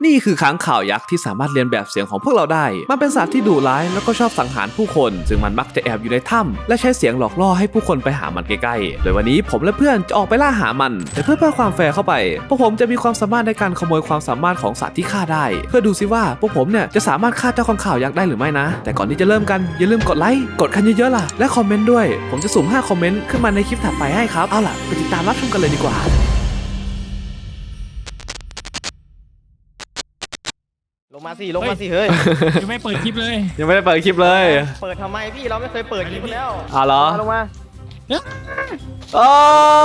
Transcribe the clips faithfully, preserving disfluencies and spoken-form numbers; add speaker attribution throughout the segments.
Speaker 1: นี่คือค้างข่าวยักษ์ที่สามารถเรียนแบบเสียงของพวกเราได้มันเป็นสัตว์ที่ดุร้ายแล้วก็ชอบสังหารผู้คนซึ่งมันมักจะแอบอยู่ในถ้ำและใช้เสียงหลอกล่อให้ผู้คนไปหามันใกล้ๆโดยวันนี้ผมและเพื่อนจะออกไปล่าหามันแต่เพื่อเพิ่มความแฟร์เข้าไปพวกผมจะมีความสามารถในการขโมยความสามารถของสัตว์ที่ฆ่าได้เพื่อดูซิว่าพวกผมเนี่ยจะสามารถฆ่าเจ้าค้างข่าวยักษ์ได้หรือไม่นะแต่ก่อนที่จะเริ่มกันอย่าลืมกดไลค์กดกันเยอะๆล่ะและคอมเมนต์ด้วยผมจะสุ่มห้าคอมเมนต์ขึ้นมาในคลิปถัดไปให้ครับเอาล่ะไปติดตามรับชมกันเลยดีกว่า
Speaker 2: ลงมาสิลงมาสิเฮ้ย
Speaker 3: ยังไม่เปิดคลิปเลย
Speaker 1: ยังไม่ได้เปิดคลิปเลย
Speaker 2: เปิดทำไมพี่เราไม่เคยเปิดคลิปแล้ว
Speaker 1: อ๋อเหรอ
Speaker 2: ลงมา
Speaker 1: โอ้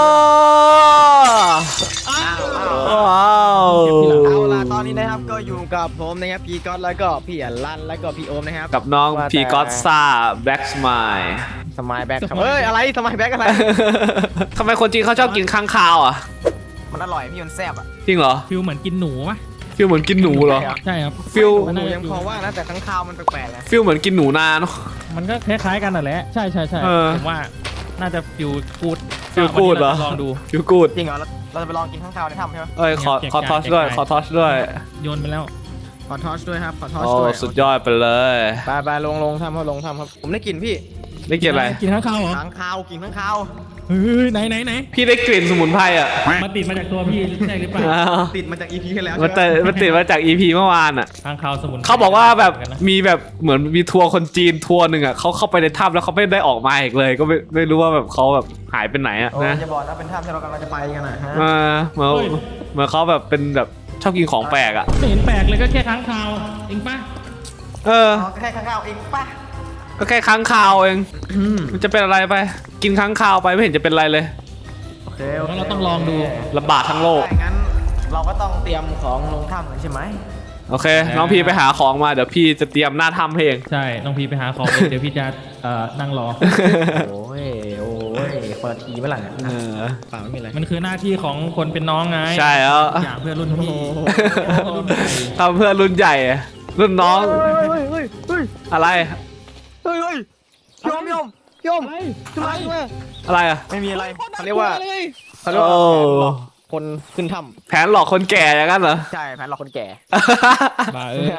Speaker 1: ว้าว
Speaker 2: เอาล่ะตอนนี้นะครับก็อยู่กับผมนะครับพี่ก๊อตแล้วก็พี่อัลลันแล้วก็พี่โอมนะครับ
Speaker 1: กับน้องพีก็อตซ่าแบ็กสมาย
Speaker 2: สมายแบ็กครับเฮ้ยอะไรสมายแบ็กอะไร
Speaker 1: ทำไมคนจีนเขาชอบกินค้างคาวอ่ะ
Speaker 2: มันอร่อยพี่มันแซ่บอ่ะ
Speaker 1: จริงเหรอ
Speaker 3: ฟิลเหมือนกินหนูปะ
Speaker 1: ฟิลเหมือนกินหนูเหรอ
Speaker 3: ใช่ครับ
Speaker 1: ฟิล
Speaker 2: หนูยังพอว่านะแต่ค้างคาวมันแปลกๆนะ
Speaker 1: ฟิลเหมือนกินหนูนาเนาะ
Speaker 3: มันก็คล้ายๆกันนั่นแหละใช่ใช่ใช่ผมว่าน่าจะฟิลกูด
Speaker 1: ฟิลกูดเหรอ
Speaker 3: ลองดู
Speaker 1: ฟิลกูด
Speaker 2: จริงเหรอเราจะไปลองกินค้างคาวในถ้ำใช่ไหม
Speaker 1: เอ้ยขอขอทอชด้วยขอทอชด้วย
Speaker 3: โยนไปแล้ว
Speaker 2: ขอทอชด้วยครับขอทอช
Speaker 1: ด้วย
Speaker 2: โอ้
Speaker 1: สุดยอดไปเลย
Speaker 2: ไปไปลงลงถ้ำเขาลงถ้ำครับผมได้กลิ่นพี่
Speaker 1: ได้กลิ่นอะไร
Speaker 3: กินข้างคาวเหรอ
Speaker 2: ค้างคาวกินค้างคาว
Speaker 3: เฮ้ยไหนไหนไหน
Speaker 1: พี่ได้กลิ่นสมุนไพรอ่ะ
Speaker 3: มาติดมาจากตัวพี่ใช่หรือเปล่า
Speaker 2: ติดมาจากอีพีที่แล้ว
Speaker 1: มันติดมันติดมาจากอีพีเมื่อวานอ่ะ
Speaker 3: ข้างคาวสมุน
Speaker 1: เขาบอกว่าแบบมีแบบเหมือนมีทัวร์คนจีนทัวร์หนึ่งอ่ะเขาเข้าไปในถ้ำแล้วเขาไม่ได้ออกมาอีกเลยก็ไม่ไม่รู้ว่าแบบเขาแบบหายไปไหนอ่ะนะ
Speaker 2: จะบอกนะเป็นถ้ำที่เรากำลังจะไปกันนะฮะ
Speaker 1: มาเหมือนเหมือนเขาแบบเป็นแบบชอบกินของแปลกอ่ะ
Speaker 3: ไม่เห็นแปลกเลยก็แค่ค้างคาวเองป่ะ
Speaker 1: เออ
Speaker 2: แค่ค้างคาวเองป่ะ
Speaker 1: ก็แค่ค้างคาวเองมันจะเป็นอะไรไปกินค้างคาวไปไม่เห็นจะเป็นอะไรเลย
Speaker 2: โอเค
Speaker 3: งั้นเราต้องลองดู
Speaker 1: ระบาดทั้งโลก
Speaker 2: งั้นเราก็ต้องเตรียมของลงถ้ำกันใช่ไหม
Speaker 1: โอเคน้องพีไปหาของมาเดี๋ยวพี่จะเตรียมหน้าถ้ำเอง
Speaker 3: ใช่น้องพีไปหาของเดี๋ยวพี่จะเอ่อนั่งรอ
Speaker 2: โอ้ยโอ้ยเปิดทีเมื่อไหร่เปล่าไม่มีอะไร
Speaker 3: มันคือหน้าที่ของคนเป็นน้องไง
Speaker 1: ใช่แล้ว
Speaker 3: อย่างเพื่อนรุ่นพี่
Speaker 1: ทำเพื่อนรุ่นใหญ่รุ่นน้องอะไร
Speaker 2: เฮ้ยเฮ้ยยอมยอมยอมอะไร
Speaker 1: อะไรอะ
Speaker 2: ไม่มีอะไรเขาเรียกว่าเขาเรียกว่าคนขึ้นถ้
Speaker 1: ำแผนหลอกคนแก่อย่างนั้นเหรอ
Speaker 2: ใช่แผนหลอกคนแก่
Speaker 3: บ้าเออ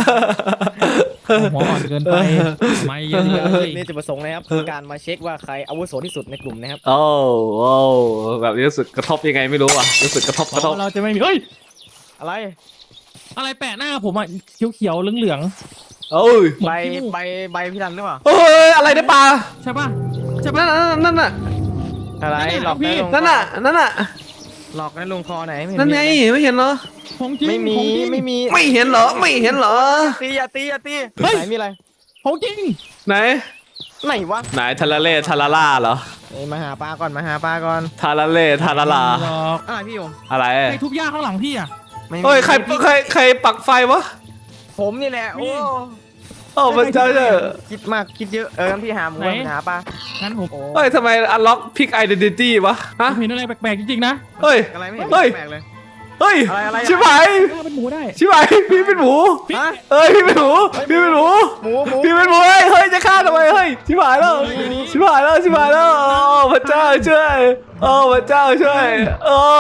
Speaker 3: หัวอ่อนเกินไปไม่เยอะเลย
Speaker 2: นี่จะประสงค์นะครับการมาเช็คว่าใครอาวุโสที่สุดในกลุ่มนะครับ
Speaker 1: โอ้โอ้แบบนี้รู้สึกกระทบยังไงไม่รู้อ่ะรู้สึกกระทบกระทบ
Speaker 3: เราจะไม่มีเฮ้ย
Speaker 2: อะไร
Speaker 3: อะไรแปะหน้าผมอ่ะเขียวๆเหลือง
Speaker 1: โอ้ย
Speaker 2: ใบใบใบพี่รันหรือเปล่า
Speaker 1: เฮ้ยอะไรในป่า
Speaker 3: ใช่ป่ะ
Speaker 1: ใช่ป่ะนั่นน่ะ
Speaker 2: อะไรหลอกพี่
Speaker 1: นั่นน่ะนั่นน่ะ
Speaker 2: หลอกในลงคอไหน
Speaker 1: นั่นไงไม่เห็นเหรอ
Speaker 2: ไม่มีไม่มี
Speaker 1: ไม่เห็นเหรอไม่เห็นเหรอ
Speaker 2: ตีอย่าตีอย่าตีไหนมีอะไร
Speaker 3: ของจริง
Speaker 1: ไหน
Speaker 2: ไหนวะ
Speaker 1: ไหนทาราเล่ทาราล่าเหรอ
Speaker 2: มาหาปลาก่อนมาหาปลาก่อน
Speaker 1: ทาราเล่ทาราล่า
Speaker 2: อะไรพี่โยม
Speaker 1: อะไร
Speaker 3: ไอ้ทุกย่าข้างหลังพี่อ่ะ
Speaker 1: เฮ้ยใครใครใครปักไฟวะ
Speaker 2: ผมนี่แหละโอ้
Speaker 1: โอ้มันจะเยอะ
Speaker 2: คิดมากคิดเยอะเออพี่หาหมูหาปลา
Speaker 3: งั้นผม
Speaker 1: เฮ้ยทำไมอันล็อกพิกไอเดนติตี้วะ
Speaker 3: ฮะเห็นอะไรแปลกๆจริงๆนะ
Speaker 1: เฮ้ย
Speaker 2: อะไรไม่เห็นแปลกเลย
Speaker 1: เฮ้ยชิบหาย
Speaker 3: เป็นหมูได้
Speaker 1: ชิบหายพี่เป็นหมูเอ้ยพี่เป็นหมูพี่เป็นหมูพี่เป็นหมูเฮ้ยจะฆ่าทำไมเฮ้ยชิบหายแล้วชิบหายแล้วชิบหายแล้วโอ้พระเจ้าช่วยโอ้พระเจ้าช่วยโอ้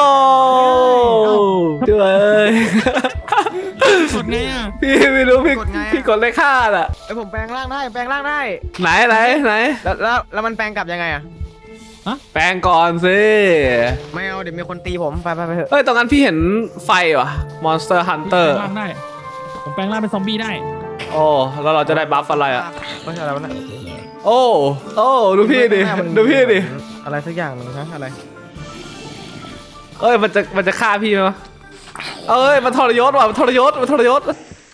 Speaker 1: ช่วย
Speaker 3: กดไงอ่ะ
Speaker 1: พี่ไม่รู้พี่พี่กดเลขฆ่าอ่ะ
Speaker 2: ไอผมแปลงร่างได้แปลงร่างได้
Speaker 1: ไหนไหนไหน
Speaker 2: แล้วแล้วมันแปลงกลับยังไงอ่ะ
Speaker 1: แปลงก่อนสิ
Speaker 2: ไม่เอาเดี๋ยวมีคนตีผมไปไปไปเถอะ
Speaker 1: เฮ้ยตรงนั้นพี่เห็นไฟว่ะ Monster Hunter
Speaker 3: แปลงร่างได้ผมแปลงร่างเป็นซอมบี้ได้
Speaker 1: โอ้แล้วเราจะได้บัฟอะไรอ่ะ
Speaker 2: ไม่ใช่อะไรวะเนี่ย
Speaker 1: โอ้โอ้ดูพี่ดิดูพี่ดิ
Speaker 2: อะไรสักอย่างนึงฮะอะไร
Speaker 1: เอ้ยมันจะมันจะฆ่าพี่มั้ยเอ้ยมันทรยศว่ะมันทรยศมันทรยศ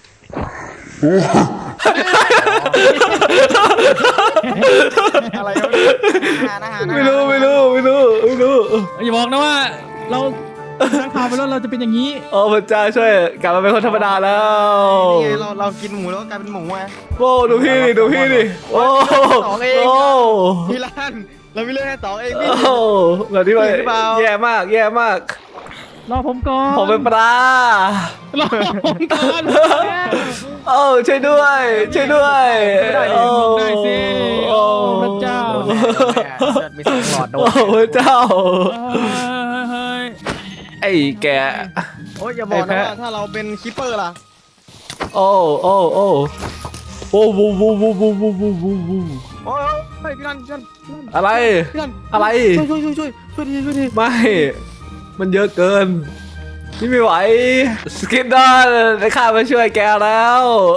Speaker 2: อะไร
Speaker 1: ไม่รู้ไม่รู้ไม่รู้ไม่รู้
Speaker 3: อย่าบอกนะว่าเราตั้งข่าวไปแล้วเราจะเป็นอย่างนี้
Speaker 1: โอ้พระเจ้าช่วยกลับมาเป็นคนธรรมดาแล้ว
Speaker 2: นี่ไงเราเรากินหมูแล้วกลายเป็นหมูไง
Speaker 1: โอ้ดูพี่ดิดูพี่ดิโอ้
Speaker 2: สองเองพี่ลั่นเราไม่เลือกแค่สองเองพี่
Speaker 1: โอ้แบบนี้ไปแย่มากแย่มาก
Speaker 3: รอผมก่อน
Speaker 1: ผมเป็นปลาร
Speaker 3: อผมก่อน
Speaker 1: โอ้ช่วยด้วยช่วยด้วย
Speaker 3: โอ้ได้สิโอ้พระเจ้า
Speaker 2: มีสองหลอดโดน
Speaker 1: โอ้พระเจ้าไอ้แก
Speaker 2: โอ้ยอย่าบอก
Speaker 1: ไอ้
Speaker 2: นะ
Speaker 1: แพะ
Speaker 2: ว่าถ้าเราเป็นคิปเปอร์ล่ะ
Speaker 1: โอ้โอ้โอ้โอ้วูวูวูวูวูวูวูวู
Speaker 2: โอ้ยเฮ้ยพี่รันพี่รัน
Speaker 1: อะไร
Speaker 2: พี่รัน
Speaker 1: อะไร
Speaker 2: ช่วยช่วยช่วยช่วยช่วยดีช่วยดี
Speaker 1: ไม่ มันเยอะเกิน นี่ไม่ไหว สกินดอนได้ข้ามาช่วยแกแล้ว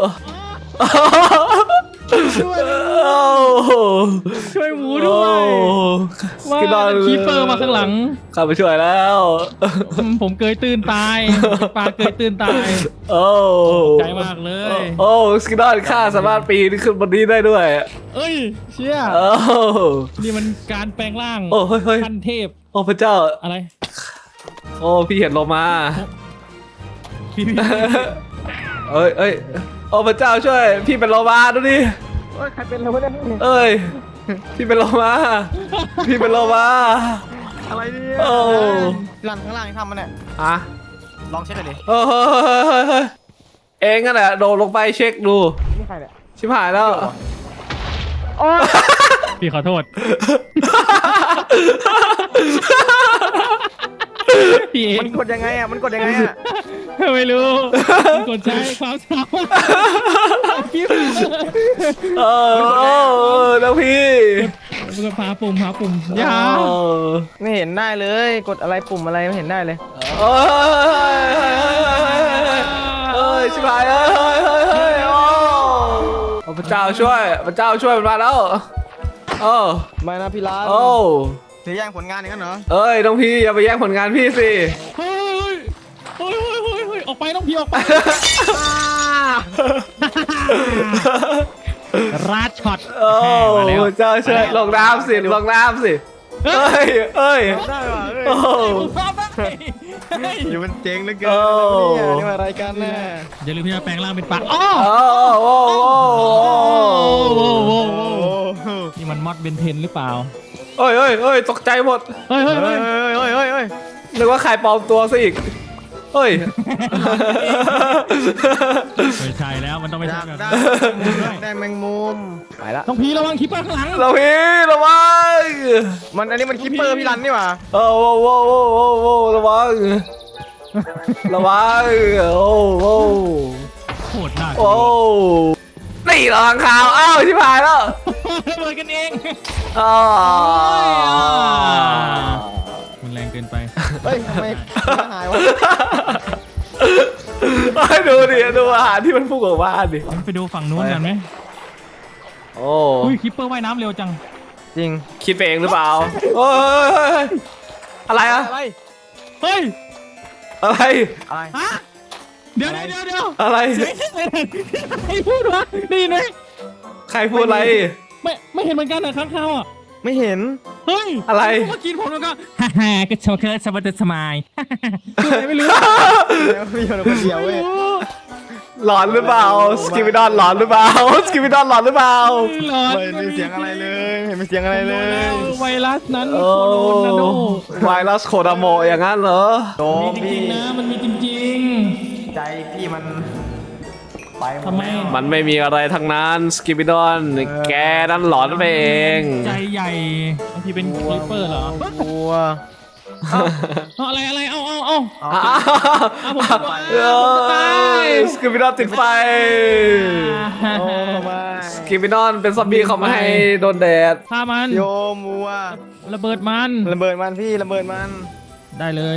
Speaker 2: ช่วย
Speaker 1: โอ้
Speaker 3: ช่วยหมูด้วย
Speaker 1: ส
Speaker 3: ว่า
Speaker 1: กินดอน
Speaker 3: คีเปอร์มาข้างหลัง
Speaker 1: ข้ามาช่วยแล้ว
Speaker 3: อืมผมเกยตื่นตายปลาเกยตื่นตาย
Speaker 1: โอ้
Speaker 3: ใจมากเลย
Speaker 1: โอ้สกินดอนข้าสามารถปีนขึ้นบนนี้ได้ด้วย
Speaker 3: เอ้ยเชี่ย
Speaker 1: โอ้
Speaker 3: นี่มันการแปลงร่าง
Speaker 1: โอ้เฮ้ยเฮ้ย
Speaker 3: ขั้นเทพ
Speaker 1: โอ้พระเจ้า
Speaker 3: อะไร
Speaker 1: โอ้พี่เห็นโลมา
Speaker 3: พี่พี่
Speaker 1: เอ้ยเอ้ยโอ้พระเจ้าช่วย พี่เป็นโลมาดูดิ
Speaker 2: เฮ้ยใครเป็นเราไม่ได้
Speaker 1: เอ้ย พี่เป็นโลมา พี่เป็นโลมา
Speaker 2: อะไรเนี่ย
Speaker 1: โอ้
Speaker 2: พี่รันข้างล่างทำมันเนี่ย
Speaker 1: อะ
Speaker 2: ลองเช็คหน่อยดิ
Speaker 1: เฮ้ยเฮ้ยเฮ้ยเฮ้ยเฮ้ยเองนั่นแหละโดดลงไปเช็คดู
Speaker 2: นี่ใครเนี่ย
Speaker 1: ชิบหายแล้ว
Speaker 2: โอ้ย
Speaker 3: พี่ขอโทษพี่เอ
Speaker 2: มั
Speaker 3: ง
Speaker 2: นกดยังไงอ่ะมันกดยังไงอ่ะ
Speaker 3: ไม่รู้มันกดใช้ความสามารถพี่
Speaker 1: เออเออแล้วพี่
Speaker 3: มันก็พาปุ่มพาปุ่มอยา
Speaker 1: เออ
Speaker 2: ไม่เห็นได้เลย กดอะไรปุ่มอะไรไม่เห็นได้เลย
Speaker 1: เอ้ยเอ้ยชิบหายเอ้ยเฮ้ยเฮ้ยเฮ้ยโอ้พระเจ้าช่วยพระเจ้าช่วยมันมาแล้วโอ้
Speaker 2: ไม่นะพี่รัน
Speaker 1: โอ้
Speaker 2: จะแย่งผลงานอย่างนั้นเหรอ
Speaker 1: เอ้ยน้องพี่อย่าไปแย่งผลงานพี่สิ
Speaker 3: เฮ้ยเฮ้ยเฮ้ยเฮ้ยเฮ้ยออกไปต้องพี่ออกไปราดช็อต
Speaker 1: โอ้
Speaker 3: มาแล้ว
Speaker 1: พระเจ้าช่วยลงน้ำสิลงน้ำสิเอ้ยเอ้ย
Speaker 2: ได้ว่ะเอ้ย
Speaker 1: โอ้
Speaker 3: ชอบได้เฮ้ย
Speaker 2: อยู่มันเจ๋งเหลือเกิน
Speaker 1: โอ้
Speaker 2: เนี่ยนี่มาอะไรกันแน่
Speaker 3: อย่าลืมที่จะแปลงร่างเป็นปลาอ้อ
Speaker 1: โอ้โอ้โอ้
Speaker 3: โอ้โห
Speaker 2: โอ้
Speaker 3: นี่มันมอดเบนเทนหรือเปล่า
Speaker 1: เอ้ยเอ้ยเอ้ยตกใจหมด
Speaker 3: เฮ้ยเฮ้ย
Speaker 2: เฮ้
Speaker 3: เฮ้
Speaker 2: ย
Speaker 3: ย
Speaker 2: เฮ้ยเฮ้ยเฮ้ย
Speaker 1: นึกว่าใครปลอมตัวซะอีกเฮ้ย
Speaker 3: ไม่ใช่แล้วมันต้องไม่
Speaker 2: อ
Speaker 3: ใช่
Speaker 2: ยาก
Speaker 3: แบบ
Speaker 2: ได้
Speaker 3: นั้น
Speaker 2: อยากได้แมงมุมไปละ
Speaker 3: ต้องพีระวังคิปเปอร์ข้างหลัง
Speaker 1: เราพี่ระวัง
Speaker 2: มันอันนี้มันคิปเปอร์พี่รันนี่หว่า
Speaker 1: โอ้โอ้โอ้โอ้โอ้โอ้ระวังระวังโอ้โอ้
Speaker 3: โคตรน่ากลั
Speaker 1: โอ้
Speaker 3: ว
Speaker 1: นี่ระวังข่าวอ้าวชิบหายแล้ว
Speaker 3: ระเบิดกันเอง
Speaker 1: อ๋อ
Speaker 3: มันแรงเกินไป
Speaker 2: เฮ้ยทำไมหายวะ
Speaker 1: ให้ดูดิดูอาหารที่มันพุ่งออกมาดิ
Speaker 3: ไปดูฝั่งนู้นกันไหม
Speaker 1: โอ้
Speaker 3: อุ้ยคิปเปอร์ว่ายน้ำเร็วจัง
Speaker 2: จริง
Speaker 1: คิดไปเองหรือเปล่าโอ้ยอะไรอะ
Speaker 2: อะไร
Speaker 3: เฮ้ย
Speaker 1: อะไร
Speaker 2: อะไร
Speaker 3: ฮะเดี๋ยวเดี๋ยวเดี๋ยว
Speaker 1: อะไร
Speaker 3: ใครพูดวะได้ยินไหม
Speaker 1: ใครพูดอะไร
Speaker 3: ไม่ไม่เห็นเหมือนกันนะข้างเขาอ่ะ
Speaker 2: ไม่เห็น
Speaker 3: เฮ้ย
Speaker 1: อะไร
Speaker 3: เมื่อกี้ผมแล้วก็ฮ่าฮ่าก็โชว์เคิร์ดสวัสดิ์สมายพูดอะไรไม่รู้
Speaker 2: แล้วพี่อยู่คนเดียวเว้ย
Speaker 1: หลอนหรือเปล่าสกิมิดอนหลอนหรือเปล่าสกิมิดอนหลอนหรือเปล่า
Speaker 3: หลอน
Speaker 2: ไม่มีเสียงอะไรเลยไม่เห็นมีเสียงอะไรเลย
Speaker 3: ไวรัสนั้น
Speaker 1: โอ้
Speaker 3: โคโรนาโด
Speaker 1: ไวรัสโคดาโมอย่างนั้นเหรอ
Speaker 2: โด
Speaker 3: มีจ
Speaker 2: พี่
Speaker 3: ริงๆนะมันมีจริง
Speaker 2: ใจพี่มันไปหม
Speaker 3: ทำ
Speaker 2: ด
Speaker 3: ไม
Speaker 2: แล้ว
Speaker 1: มันไม่มีอะไรทั้งนั้นสกิมิดอนแกนั่นหลอนไปเอง
Speaker 3: ใจใหญ่บางทีเป็นคลิปเปอร์เหรอก
Speaker 2: ลัว
Speaker 3: เอาอะไรอะไรเอาเอาเอา
Speaker 2: เอา
Speaker 1: อ้าว
Speaker 3: เอาผมจะตาย
Speaker 1: เอ้ยสกิมิดอนติดไฟ
Speaker 2: โอ้มา
Speaker 1: สกิมิดอนเป็นซอมบี้เขาไม่ให้โดนแดด
Speaker 3: ฆ่ามัน
Speaker 2: โยมัว
Speaker 3: ระเบิดมัน
Speaker 2: ระเบิดมันพี่ระเบิดมัน
Speaker 3: ได้เลย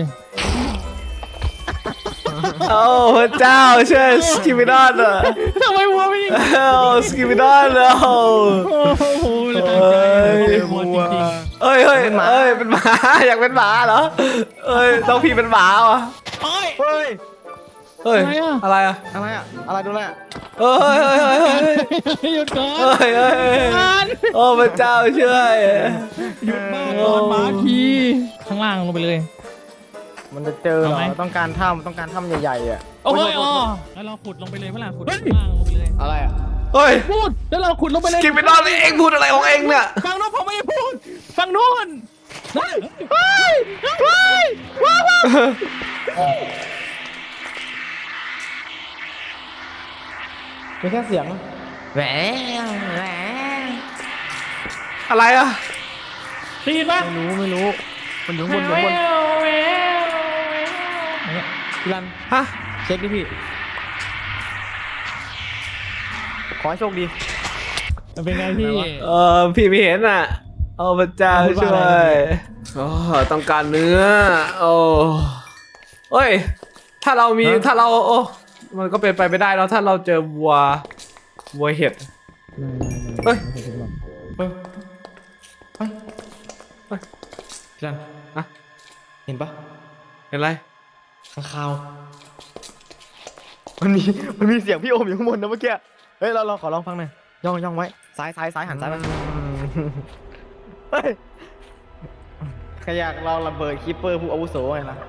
Speaker 1: โอ้พระเจ้าช่วยสกิมิดอนอ่ะ
Speaker 3: ทำไมวัวไม่ยิง
Speaker 1: โอ้สกิมิดอนอ่ะ
Speaker 3: โอ้โหเลยตั้งใจเลยวัวจริง
Speaker 1: เอ้ยเฮ้ยเอ้ยเป็นหมาอยากเป็นหมาเหรอเอ้ยต้องพี่เป็นหมาว่ะ
Speaker 3: ๆโอ้ย
Speaker 2: เฮ้ย
Speaker 1: เฮ้ยอะไรอ่ะ
Speaker 2: อะไรอะอะไรดูแล
Speaker 1: เฮ้ยเฮ้ยเฮ้ยเฮ้ย
Speaker 3: หยุดก่อน
Speaker 1: เฮ้ยเฮ้ย
Speaker 3: มัน
Speaker 1: โอ้พระเจ้าช่วย
Speaker 3: หยุดบ้าก่อนหมาทีข้างล่างลงไปเลย
Speaker 2: มันจะเจอเหร
Speaker 3: เอา
Speaker 2: อ
Speaker 3: ไหม
Speaker 2: ต้องการถ้ำต้องการถ้ำใหญ่ๆอ่ะ
Speaker 3: โอ้ยอ๋อแล้วเราขุดลงไปเลยเมื่อไหร่ขุดข้างล่างลงไปเลย
Speaker 2: อะไรอ่ะ
Speaker 1: เฮ้ย
Speaker 3: พูดแล้วเราขุดลงไปเลย
Speaker 1: สกิมิดอนเองพูดอะไรของเองเนี่ย
Speaker 3: ฝั่งโน้นผมไม่ได้พูดฝั่งโน้นเฮ้ยเฮ้ยเฮ้ยว้าวว้าว
Speaker 2: เป็นแค่เสียงแหวแหว
Speaker 1: อะไรอ่ะ
Speaker 3: ได้ยินปะ
Speaker 2: ไม่รู้ไม่รู้มันอยู่ข้างบนอยู่ข้างบน
Speaker 3: เนี่ย
Speaker 2: พี่รัน
Speaker 1: ฮะ
Speaker 2: เช็คดิพี่ขอให้โชคดี
Speaker 3: มันเป็นไงพี่
Speaker 1: เออพี่ไม่เห็นอ่ะโอ้พระเจ้า
Speaker 3: พูดว่า
Speaker 1: ช่ว
Speaker 3: อะไร
Speaker 1: ยโอ้ต้องการเนื้อโอ้เอ้ยถ้าเรามีถ้าเราโอ้มันก็เป็นไปไม่ได้แล้วถ้าเราเจอวัววัวเห็ด เฮ้ย
Speaker 2: เฮ้ยเฮ้ยเฮ้ยพี่รัน
Speaker 1: อะ
Speaker 2: เห็นปะ
Speaker 1: เห็นไร
Speaker 2: ข้างคาวมันมีมันมีเสียงพี่โอมอยู่ข้างบนนะเมื่อกี้เฮ้ยเราเราขอลองฟังหน่อยย่องย่องไว้ซ้ายซ้ายซ้ายหันซ้ายไปเฮ้ยใครอยากลองระเบิดคิปเปอร์ผู้อาวุโสไงล่ะ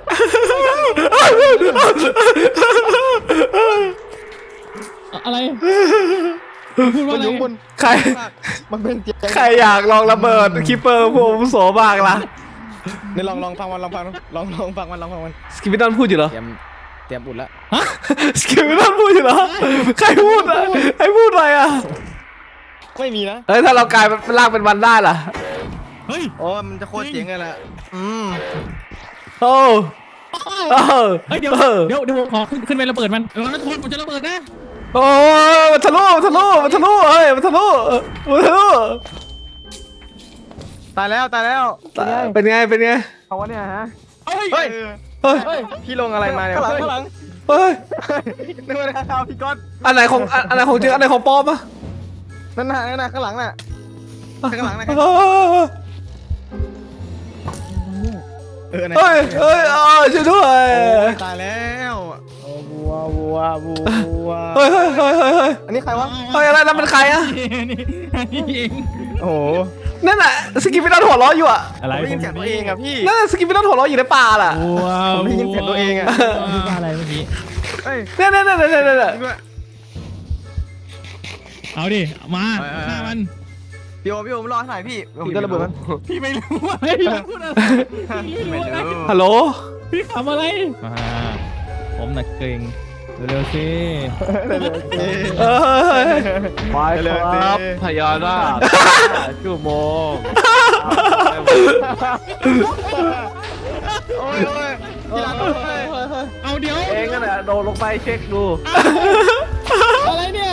Speaker 3: อะไรพูด
Speaker 2: มั
Speaker 3: ว่าน อะไร
Speaker 2: อยู่ข้างบน
Speaker 1: ใคร
Speaker 2: มันเป็นเสียง
Speaker 1: ใครอยากลองระเบิดคิปเปอร์พวกอาวุโสบ้างล่ะ
Speaker 2: นี่ลองลองฟังมันลองฟังมันลองลองฟังมันลองฟังมัน
Speaker 1: สกิปปิดอนพูดอยู่เหรอ
Speaker 2: เตรียมเตรียมอุดแล้ว
Speaker 1: สกิปปิดอนพูดอยู่เหรอใครพูดอะใครพูดอะไรอ่ะ
Speaker 2: ไม่มีนะ
Speaker 1: เฮ้ยถ้าเรากลายเป็นร่างเป็นวันได้ล่ะ
Speaker 3: เฮ้ย
Speaker 2: โอ้มันจะโคตรเจ๋งเลยแหละอืม
Speaker 1: โอ้โอ้
Speaker 3: เฮ้ยเดี๋ยว
Speaker 1: ออ
Speaker 3: เดี๋ยวเดี๋ยวผมขอขึ้นขึ้นไประเบิดมันแล้วทุกคนผมจะระเบิดนะ
Speaker 1: โอ้ยมันทะลุมันทะลุมันทะลุเฮ้ยมันทะลุมันทะลุ
Speaker 2: ตายแล้วตายแล้วเป็นไง
Speaker 1: เป็นไงเป็นไง
Speaker 2: เขาวะเนี่ยฮะ
Speaker 3: เฮ้ย
Speaker 2: เฮ้ย
Speaker 1: เฮ้ย
Speaker 2: เฮ้ยพี่ลงอะไรมาเนี่ย
Speaker 4: ข้างหลังข้างหลัง
Speaker 1: เฮ้ย
Speaker 2: นึกว่าข้าวพี่ก๊อต
Speaker 1: อันไหนของอันอันไหนของจริงอันไหนของปลอมอะ
Speaker 2: นั่นน่ะนั่นน่ะข้างหลังน่ะข้างหลังน่ะ
Speaker 1: เฮ้ย
Speaker 2: เออไหน
Speaker 1: เฮ้ยเฮ้ยเออช่วยด้วย
Speaker 2: โอ้ยตายแล้วโอ้วัววัววัว
Speaker 1: เฮ้ยเฮ้ยเฮ้ยเฮ้ยเฮ้ย
Speaker 2: อันนี้ใครวะ
Speaker 1: เฮ้ยอะไรนั่นเป็นใครอะ
Speaker 3: นี่นี่เอง
Speaker 2: โอ้โห
Speaker 1: นั่นน่ะสกิปปิดอนหัวเราะอยู่อะ
Speaker 3: อะไร
Speaker 2: ผมได้ยินเสียงตัวเองอะพี่
Speaker 1: นั่นน่ะสกิปปิดอนหัวเราะอยู่ในป่าล่ะ
Speaker 3: ว้าว
Speaker 2: ผมได้ยินเสียงตัวเองอะ
Speaker 3: พูดว่าอะไรเมื่อกี้
Speaker 2: เฮ้ย
Speaker 1: เนี่ยเนี่ยเนี่ยเนี่ยเนี่ย
Speaker 2: จริงด้วย
Speaker 3: เอาดิมาฆ่ามัน
Speaker 2: พี่โอมพี่โอมรอให้หน่อยพี่ผมจะระเบิดมัน
Speaker 3: พี่ไม่รู้ว่าพี่พูดอะไรพี่ไม่รู้อะไร
Speaker 1: ฮัลโหล
Speaker 3: พี่ขำอะไรมาผมหนักเกรงเร็วๆสิ
Speaker 1: เอ้ย
Speaker 2: ไปครับ
Speaker 1: พยานาคชั่วโมง
Speaker 2: โอ้ยโอ้ยพี่รันโอ้ย
Speaker 3: เอาเดี๋ยว
Speaker 1: เองนั่นแหละโดนลงไปเช็คดู
Speaker 3: อะไรเนี่ย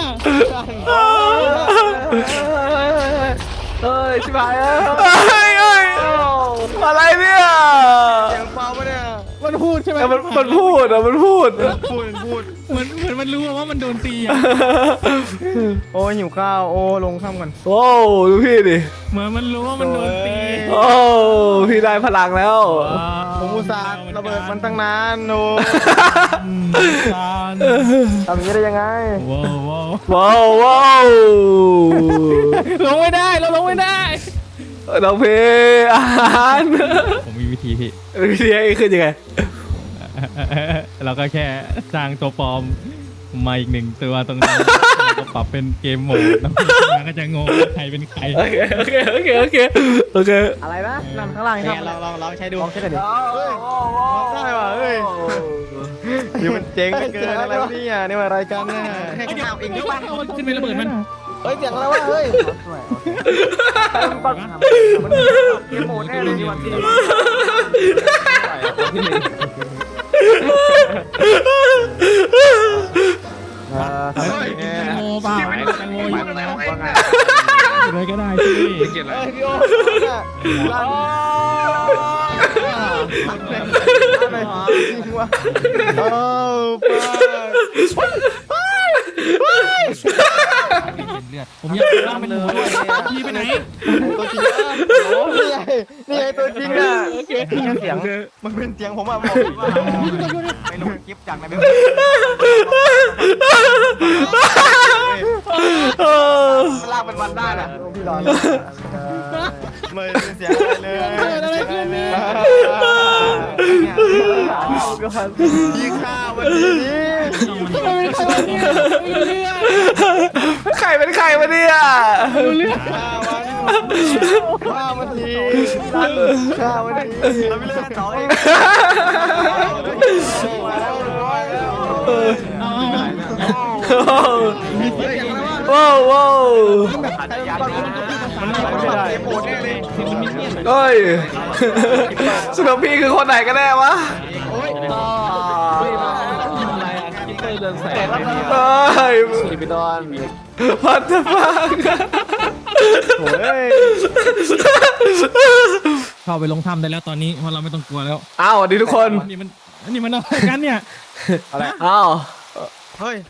Speaker 1: เฮ้ยชิบหายแล้วเฮ้ยเฮ้ยอะไรเนี่ย
Speaker 2: เสียงเบาปะเนี่ย
Speaker 3: มันพูดใช่ไหม
Speaker 1: มันมันพูดอะมันพูด
Speaker 2: พูดพูด
Speaker 3: เหมือนเหมือนมันรู้ว่ามันโดนตีอ่ะ
Speaker 2: โอ้ยหิวข้าวโอ้ลงข้ามกัน
Speaker 1: โอ้ดูพี่ดิ
Speaker 3: เหมือนมันรู้ว่ามันโดนตี
Speaker 1: โอ้พี่ได้พลังแล้ว
Speaker 2: ผมอุตส่าห์ระเบิดมันตั้งนานโอ้
Speaker 3: ซาน
Speaker 2: ทำอย่างนี้ได้ยังไง
Speaker 3: ว้าวว้าว
Speaker 1: ว้าวว้าว
Speaker 3: ลงไม่ได้เราลงไม่ได้
Speaker 1: น้องเพอาหาร
Speaker 3: ผมมีวิธีพี่
Speaker 1: วิธีให้ขึ้นยังไง
Speaker 3: เราก็แค่สร้างตัวปลอมมาอีกหนึ่งตัวตรงนั้นแล้วก็ปรับเป็นเกมโหมดแล้วมันก็จะงงว่าใครเป็นใคร
Speaker 1: โอเคโอเคโอเคโอเคโอเค
Speaker 2: อะไรนะนั่นข้างล่างครับลองลองลองใช้ดูลองใช้กันดิเฮ้ยได้ว่ะเฮ้ยนี่มันเจ๋งเกินอะไรวะเนี่ยนี่มันอะไรกันเนี่ยให้ข้าวเองหรือเปล่า
Speaker 3: มันขึ้นไประเบิดมัน
Speaker 2: เฮ้ยเสียงอะไรวะเฮ้ยมันเกมโหมดแน่เลยนี่วันที่
Speaker 3: แตงโมเปล่าแตงโมอยู่นะอะไรก็ได้ที่
Speaker 2: เฮ้ยพี่โอ้ลั่นอะไรจริงวะโอ้ป้า
Speaker 3: ผมอยากล่างเป็นหมูด้วยพี่ไปไหน
Speaker 2: ตัวจริงอ่ะโอ้นี่ไงนี่ไงตัวจริงอ่ะเสียงมันเป็นเสียงผมอ่ะบอกว่าไปลงคลิปจากในเว็บลากเป็นวันได้น่ะพี่รอไม่เป็นเสียงอะไรเลยอะไรขึ้นเนี่ยพี่ข้าววันนี้
Speaker 1: ใครเป็นใครวะเนี่ย
Speaker 2: ข้าววันข้าววันนี้ข้าววันนี้เราไม่เล่นต่อเอง
Speaker 1: ว้าวว้าว
Speaker 2: มันไม่ได้โหดแน่เลย
Speaker 1: เฮ้ยสนุกพี่คือคนไหนกันแน่วะ
Speaker 2: โอ้ย
Speaker 1: อะไรอ่ะคิปเปอร์เรืองแสง
Speaker 2: เฮ้ย
Speaker 1: สีไปดอนพัดจะฟัง
Speaker 2: โอ้ย
Speaker 3: เข้าไปลงถ้ำได้แล้วตอนนี้เพราะเราไม่ต้องกลัวแล้ว
Speaker 1: อ้าวสวัสดีทุกคน
Speaker 3: อันนี้มันอันนี้มันอะไรกันเนี่ย
Speaker 2: อะไร
Speaker 1: อ้าว
Speaker 2: เฮ้ย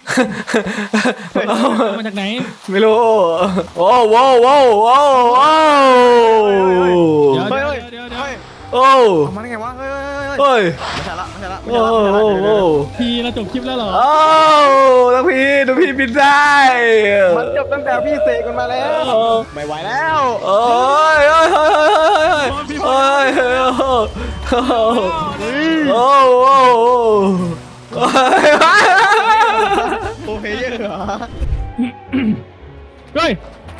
Speaker 3: มาจากไหน
Speaker 1: ไม่รู้โอ้โว้โว้โว้โว้
Speaker 3: เดี๋ยว
Speaker 2: เฮ้ย
Speaker 3: เดี๋ยว
Speaker 2: เฮ้ย
Speaker 3: เดี๋ยว
Speaker 2: เฮ้ย
Speaker 1: โอ้
Speaker 2: เอามาได้ไงวะเฮ้ยเฮ้ยเฮ้ย
Speaker 1: เฮ้ย
Speaker 2: ไม่ใช่ละไม่ใช่ละไม่
Speaker 1: โอ้
Speaker 2: ใช่ละ
Speaker 1: โห
Speaker 2: ไม่ใช่ละเดี๋ยว
Speaker 1: โอ้
Speaker 3: พี่เราจบคลิปแล้วเหรอ
Speaker 1: โอ้แล้วพี่ดูพี่บินได้
Speaker 2: มันจบตั้งแต่พี่เสกมันมาแล้วไม่ไหวแล้ว
Speaker 1: โอ้ยโอ้ยโอ้ยโอ้ยโอ้ยโอ้ยโอ้ยโอ้ย
Speaker 2: โอเพเยอร์เหรอ
Speaker 3: เฮ้ย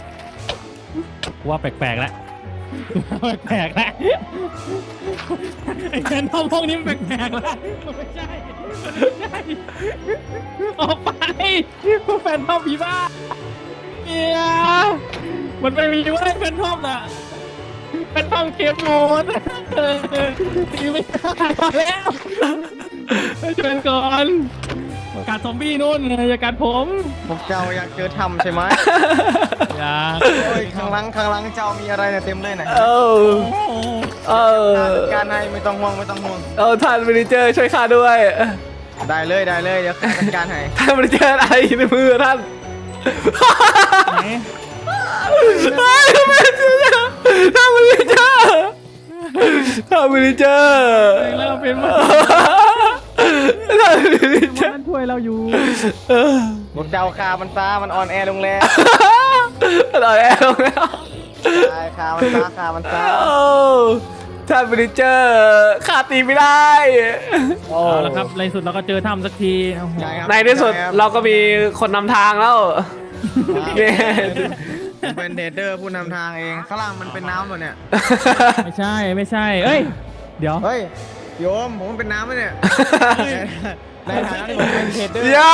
Speaker 3: ว่าแปลกๆแล้วแปลกๆแล้วไอ้แฟนทอมพวกนี้มันแปลกๆแล้วไม่ใช่ไม่ใช่ออกไปแฟนทอมผีบ้าเนี่ยมันไม่มีว่าแฟนทอมน่ะแฟนทอมเกมโหมดตีไม่ได้แล้วช่วยก่อนกัดซอมบี้นู่นอย่ากัดผม
Speaker 2: พวกเจ้าอยากเจอถ้ำใช่ไหม
Speaker 3: อย่า
Speaker 2: เฮ้ยข้างหลังข้างหลังเจ้ามีอะไรเนี่ยเต็มเลยนะ
Speaker 1: เออเออ
Speaker 2: การให้ไม่ต้องห่วงไม่ต้องห่วง
Speaker 1: เออท่านมินิเจอร์ช่วยข้าด้วย
Speaker 2: ได้เลยได้เลยเดี๋ยวข้าจัดการให้
Speaker 1: ท่านมินิเจอร์อะไรในมือท่าน
Speaker 3: ไหน
Speaker 1: เฮ้ยไม่เจอท่านมินิเจอร์ท่านมินิเจอร์
Speaker 3: เราเป็นมัน
Speaker 1: ท่านมินิเจอร์
Speaker 3: มันช่วยเราอยู่
Speaker 1: เออ
Speaker 2: พวกเจ้าคามันซามันอ่อนแอลงแล้ว
Speaker 1: เราแอบลงแล้ว
Speaker 2: ใช่คามันซาคามันซา
Speaker 1: โอ้ท่านมินิเจอร์ข้าตีไม่ได้
Speaker 3: เอาละครับในสุดเราก็เจอถ้ำสักทีโอ้โห
Speaker 2: ช่ครับ
Speaker 1: ในที่สุดเราก็มีคนนำทางแล้วเย้
Speaker 2: ผมเป็นเทรดเดอร์ผู้นำทางเองข้างล่างมันเป็นน้ำหมดเนี่ย
Speaker 3: ไม่ใช่ไม่ใช่เอ้ยเดี๋ยว
Speaker 2: เฮ้ยโยมผมเป็นน้ำไหมเนี่ยในฐานะที่ผมเป็นเทรดเดอร์
Speaker 1: ยา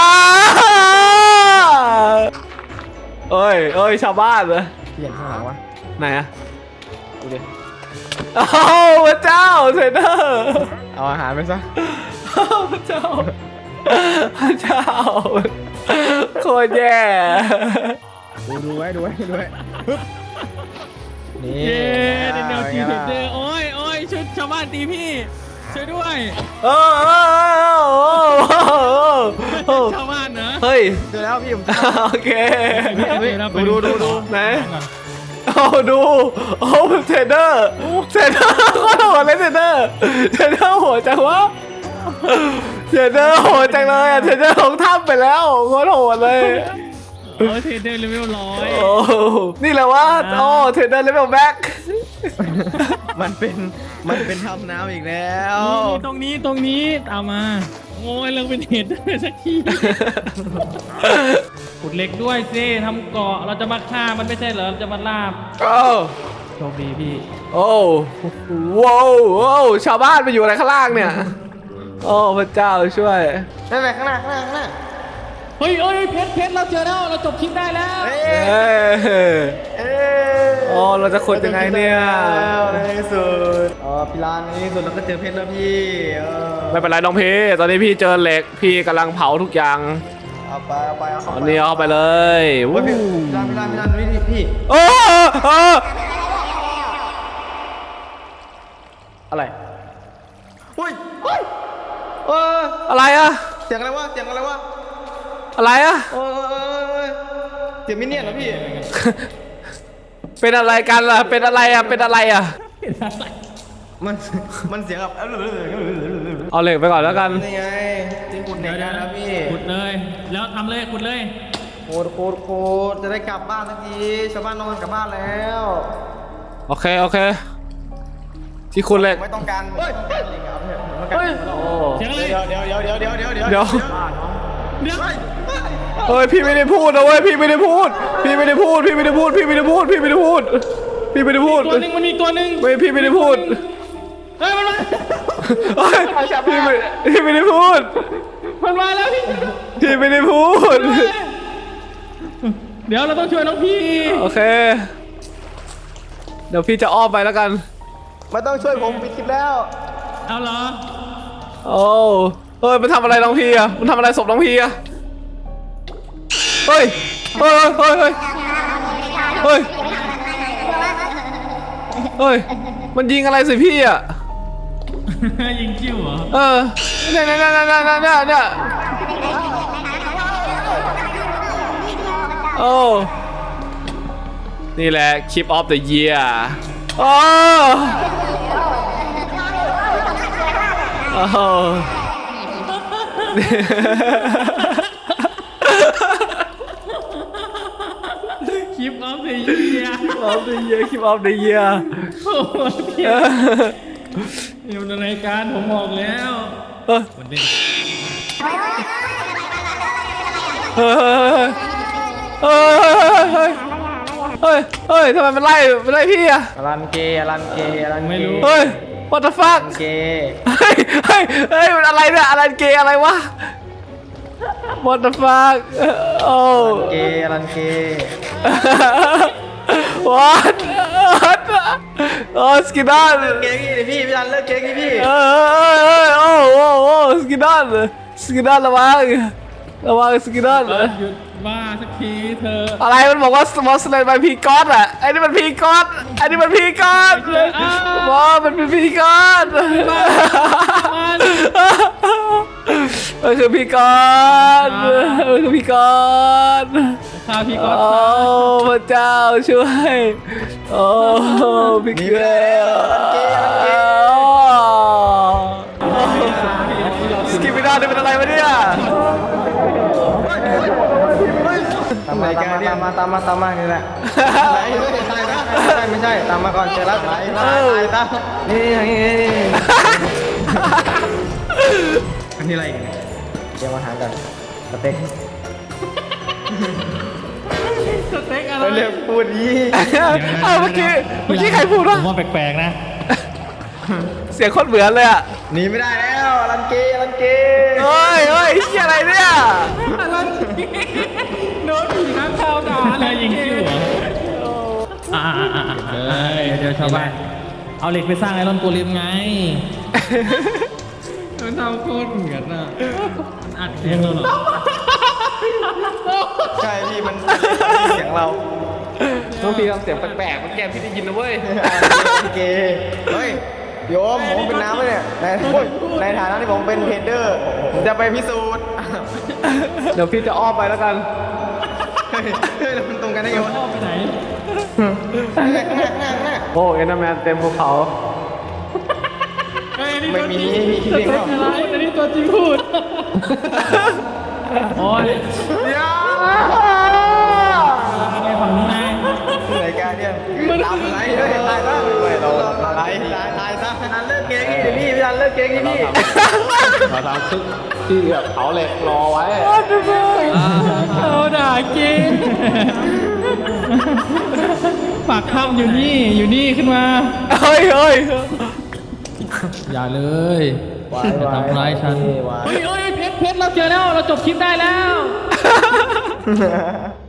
Speaker 1: เอ้ยเอ้ยชาวบ้านเหรอ
Speaker 2: เปลี่ยนข้างหลังวะ
Speaker 1: ไหนอะ
Speaker 2: ดูดิ
Speaker 1: โอ้พระเจ้าเทรนเนอร์
Speaker 2: เอาอาหารไปซะ
Speaker 1: พระเจ้าพระเจ้าโคตรแย่
Speaker 2: ดูดูไว้ดูไว้ดูไว้ปึ๊บนี่
Speaker 3: เย้ในแนวที
Speaker 2: อา
Speaker 3: เด
Speaker 2: ไง
Speaker 3: เดอ
Speaker 2: ล่ะ
Speaker 3: ร์โอ้ยโอ้ยชุดชาวบ้านตีพี่ช่วยด้วย
Speaker 1: โอ้โอ้
Speaker 3: ชาวบ้านเหรอ
Speaker 1: เฮ้ย
Speaker 2: เจอแล้วพี่ผม
Speaker 1: โอเค
Speaker 2: ดูดูดูดู
Speaker 1: ไหน โอ้ดูโอ้เทรนเนอร์เทรนเนอร์โคตรโหดเลยเทรนเนอร์เทรนเนอร์โหดจังวะเทรนเนอร์โหดจังเลยอะเทรนเนอร์ลงถ้ำไปแล้วโคตรโหดเลย
Speaker 3: โอ้ยเทเดอร์เลเวลร้อย
Speaker 1: โอ้นี่แหละว่าโอ้เทรนเนอร์เลเวลแบ็ค
Speaker 2: มันเป็นมันเป็นทำน้ำอีกแล้ว
Speaker 3: นี่ตรงนี้ตรงนี้ตามมาโอ้ยเราเป็นเทเดอร์สักทีขุดเหล็กด้วยสิทำเกาะเราจะมาฆ่ามันไม่ใช่เหรอเราจะมาล่า
Speaker 1: โอ้
Speaker 3: โชคดีพี่
Speaker 1: โอ้ว้าวว้าวชาวบ้านไปอยู่อะไรข้างล่างเนี่ยโอ้พระเจ้าช่วย
Speaker 2: นั่นแหละข้างหน้าข้างหน้าข้างหน้า
Speaker 3: เฮ้ยเฮ้ยเพชรเพชรเราเจอแล้วเราจบคลิปได้แล้ว
Speaker 2: เอ้
Speaker 1: เอ้ย
Speaker 2: เอ้ย
Speaker 1: โอ้เราจะขุดยังไงเนี่ย
Speaker 2: ในที่สุดอ๋อพี่ลานในที่สุดเราก็เจอเพชรแล้วพี่เออ
Speaker 1: ไม่เป็นไรน้องพี่ตอนนี้พี่เจอเหล็กพี่กำลังเผาทุกอย่าง
Speaker 2: เอาไปเอาไปเอา
Speaker 1: ต
Speaker 2: เข้า
Speaker 1: อน
Speaker 2: ไป
Speaker 1: นี้เอาเข้าไปเลย
Speaker 2: เฮ้
Speaker 1: วู้
Speaker 2: ยพี่พี่ลานพี่ลานพี่ลานวิธีพี่
Speaker 1: โอ้โอ้
Speaker 2: อะไรเฮ้ยเฮ้ยเออ
Speaker 1: อะไรอะ
Speaker 2: เสียงอะไรวะเสียงอะไรวะ
Speaker 1: อะไรอะ
Speaker 2: เออเออเออเออเสียงมินเนี่ยนเหรอพี่
Speaker 1: เป็นอะไรกันล่ะเป็นอะไรอะเป็นอะไรอะ
Speaker 2: มันมันเสียงแบบ
Speaker 1: เอาเหล็กไปก่อนแล้วกัน
Speaker 2: นี่ไงที่ขุดเด็กได้แล้วพี่
Speaker 3: ขุดเลย แล้วทำเลยขุดเลย
Speaker 2: โคตรโคตรโคตรจะได้กลับบ้านสักทีชาวบ้านนอนกันกลับบ้านแล้ว
Speaker 1: โอเคโอเค ที่คุณเหล็ก
Speaker 2: ไม่ต้องการเฮ้ยเฮ้ย
Speaker 1: เฮ้ยโอ้
Speaker 3: เสียงอะไร
Speaker 2: เดี๋ยวเดี๋ยวเดี๋ยวเดี๋ยวเดี๋ยวเดี๋ยว
Speaker 1: เดี๋ยว
Speaker 3: เดี๋ยว
Speaker 1: เฮ้ยพี่ไม่ได้พูดนะเว้ยพี่ไม่ได้พูด พี่ไม่ได้พูดพี่ไม่ได้พูดพี่ไม่ได้พูดพี่ไม่ได้พูดพี่ไม่ได้พูด
Speaker 3: ตัวหนึ่งมันมีตัวหนึ่ง
Speaker 1: ไม่พี่ไม่ได้พูด
Speaker 3: เฮ้ยมันมา
Speaker 1: เฮ้ยพี่ไม่พี่ไม่ได้พูด
Speaker 3: มันมาแล้วพี่
Speaker 1: พี่ไม่ได้พูด
Speaker 3: เดี๋ยวเราต้องช่วยน้องพี่
Speaker 1: โอเค เดี๋ยวพี่จะอ้อมไปแล้วกัน
Speaker 2: ไม่ต้องช่วยผมปิดคลิปแล้ว
Speaker 3: เอาเหรอ
Speaker 1: โอ้เฮ้ยมันทำอะไรน้องพีอะมันทำอะไรศพน้องพีอะเฮ้ยเฮ้ยเฮ้ยเฮ้ยเฮ้ยเฮ้ยมันยิงอะไรสิพี่อะ
Speaker 3: ยิงคิวเหรอ
Speaker 1: เออเนี่ยเนี่ยเนี่ยเนี่ยเนี่ยเนี่ยโอ้นี่แหละ Clip of the Year โอ้โอ้
Speaker 3: คลิปออฟเดอะเยีย
Speaker 1: of the Year Clip of the Year
Speaker 3: โอ้โหเพี้ยอยู่ในรายการผมบอกแล้ว
Speaker 1: เออ
Speaker 3: มันเป็น
Speaker 1: เฮ้ยเฮ้ยเฮ้ยเฮ้ยทำไมมันไล่มันไล่พี่อะ
Speaker 2: อลันเกย์อลันเกย์อลันเกย์
Speaker 3: ไม่รู้
Speaker 1: เฮ้ย what the
Speaker 2: อ
Speaker 1: fuck
Speaker 2: ลันเกย์
Speaker 1: เฮ้ยเฮ้ยเฮ้ยมันอะไรเนี่ยอะไรเกย์อะไรวะ what the fuck โอ้
Speaker 2: อลันเกย์อลันเกย์
Speaker 1: what what โอ้สกินดอน
Speaker 2: เกย์กี้ดิพี่พี่อลันเลิกเกย์กี้พี่
Speaker 1: เออเออโอ้โอ้โอ้สกินดอนสกินดอนระวังระวังสกินดอน
Speaker 3: เออหยุดบ้าสักทีเธอ
Speaker 1: อะไรมันบอกว่าสมอลสเลนไปพีกอสอะไอ้นี่มันพีกอสไอ้นี่มันพีกอสบอมันเป็นพีกอสมันคือพีกอสมันคือพีกอส
Speaker 3: ข้าพี่ก็
Speaker 1: โอ้พระเจ้าช่วยโอ้พี่เกลือสกิปไม่ได้นี่เป็นอะไรวะเนี่ย
Speaker 2: ตามมาตามมาตามมาตามมานี่แหละไม่ใช่ไม่ใช่ตามมาก่อนเจอแล้วตายตายตายนี่นี่นี่อันนี้อะไรเดี๋ยวมาหากันสเต็ก
Speaker 3: สเต็กอะไร
Speaker 2: เรียกพูดยี่
Speaker 1: เอ้าเมื่อกี้เมื่อกี้ใครพูด
Speaker 3: ผ
Speaker 1: วะ
Speaker 3: มว่าแปลกๆนะ
Speaker 1: เสียงโคตรเหมือนเลยอะ
Speaker 2: หนีไม่ได้แล้วลันเกย์ลันเกย์
Speaker 1: เฮ้ยเฮ้ยที่อะไรเนี่ย
Speaker 3: โดนผีน้ำชาวด่าอะไรยิงคิวเหรออ่าอ่าเฮ้ยเดี๋ยวชาวบ้านเอาเหล็กไปสร้างไอรอนโกเลมไงมันทำโคตรเหมือนอ่ะมันอัดเองเราเหรอ
Speaker 2: ใช่พี่มันเสียงเรา
Speaker 1: น้องพีทำเสียงแปลกๆมันแกพี่ได้ยินนะเว้ย
Speaker 2: ลันเกย์เฮ้ยโยมผมเป็นน้ำไหมเนี่ยในในฐานะที่ผมเป็นเทรดเดอร์ผมจะไปพิสูจน์
Speaker 1: เดี๋ยวพี่จะอ้อมไปแล้วกัน
Speaker 2: เฮ้ยเฮ้ยมันตรงกันได้ไงวะ
Speaker 3: พ่อไปไหน
Speaker 1: โอ้เอ็นแมนเต็มภูเขา
Speaker 3: เฮ้ยนี่
Speaker 2: ไม่
Speaker 3: ตัวจ
Speaker 2: มี
Speaker 3: ริง
Speaker 2: มีคิดเองเปล่า
Speaker 3: อะไรอันนี้ตัวจริงพูดโอ้ย
Speaker 2: เดี๋ยว
Speaker 3: ไงฝั่งนี้ไง
Speaker 2: รายการเนี่ยตามอะไรเฮ้ยตายซะเฮ้ยเราตายตายตายซะพี่นันเลิกเกย์พี่พี่พี่นันเลิกเกย์พี่
Speaker 1: เราทำซึกที่แบบเผาเหล็กรอไว้
Speaker 3: เอาด่าจริงปากถ้ำอยู่นี่อยู่นี่ขึ้นมา
Speaker 1: เฮ้ยเฮ้ย
Speaker 3: อย่าเลยอย่าทำร้ายฉันเฮ้ยเฮ้ยเพชรเพชรเราเจอแล้วเราจบคลิปได้แล้ว